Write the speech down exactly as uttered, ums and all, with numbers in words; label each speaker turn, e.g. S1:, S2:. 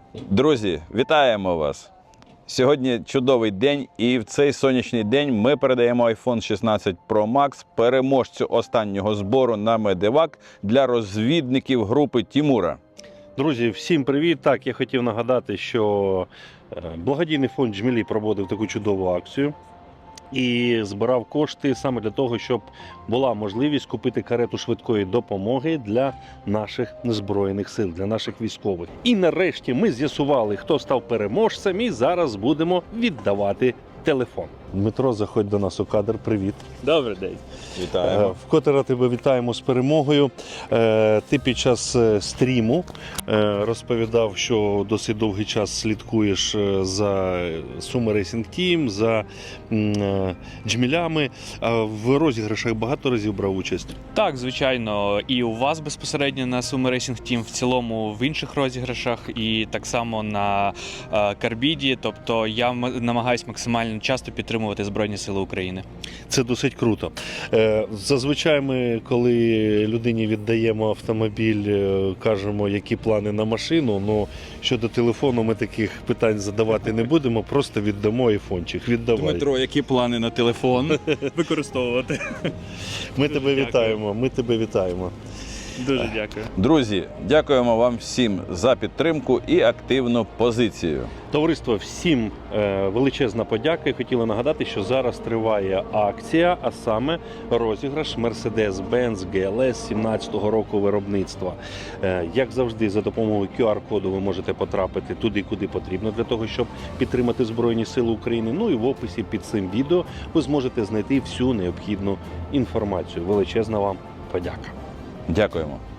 S1: Друзі, вітаємо вас! Сьогодні чудовий день, і в цей сонячний день ми передаємо айфон шістнадцять про макс переможцю останнього збору на Медевак для розвідників групи Тімура.
S2: Друзі, всім привіт! Так, я хотів нагадати, що благодійний фонд «Джмілі» проводив таку чудову акцію і збирав кошти саме для того, щоб була можливість купити карету швидкої допомоги для наших Збройних сил, для наших військових. І нарешті ми з'ясували, хто став переможцем, і зараз будемо віддавати телефон. Дмитро, заходь до нас у кадр. Привіт.
S3: Добрий день.
S1: Вітаємо.
S2: Вкотре тебе вітаємо з перемогою. Ти під час стріму розповідав, що досить довгий час слідкуєш за Sumo Racing Team, за джмілями. В розіграшах багато разів брав участь?
S3: Так, звичайно, і у вас безпосередньо на Sumo Racing Team, в цілому в інших розіграшах, і так само на Карбіді. Тобто я намагаюся максимально часто підтримувати Збройні Сили України.
S2: Це досить круто. Зазвичай ми, коли людині віддаємо автомобіль, кажемо, які плани на машину, але щодо телефону ми таких питань задавати не будемо, просто віддамо айфончик. Віддавай.
S1: Дмитро, які плани на телефон?
S3: Використовувати.
S2: Ми тебе вітаємо, ми тебе вітаємо.
S3: Дуже дякую.
S1: Друзі, дякуємо вам всім за підтримку і активну позицію.
S2: Товариство, всім е, величезна подяка. І хотіли нагадати, що зараз триває акція, а саме розіграш Mercedes-Benz джі ел ес сімнадцятого року виробництва. Е, як завжди, за допомогою ку ар коду ви можете потрапити туди, куди потрібно для того, щоб підтримати Збройні Сили України. Ну і в описі під цим відео ви зможете знайти всю необхідну інформацію. Величезна вам подяка.
S1: Дякуємо.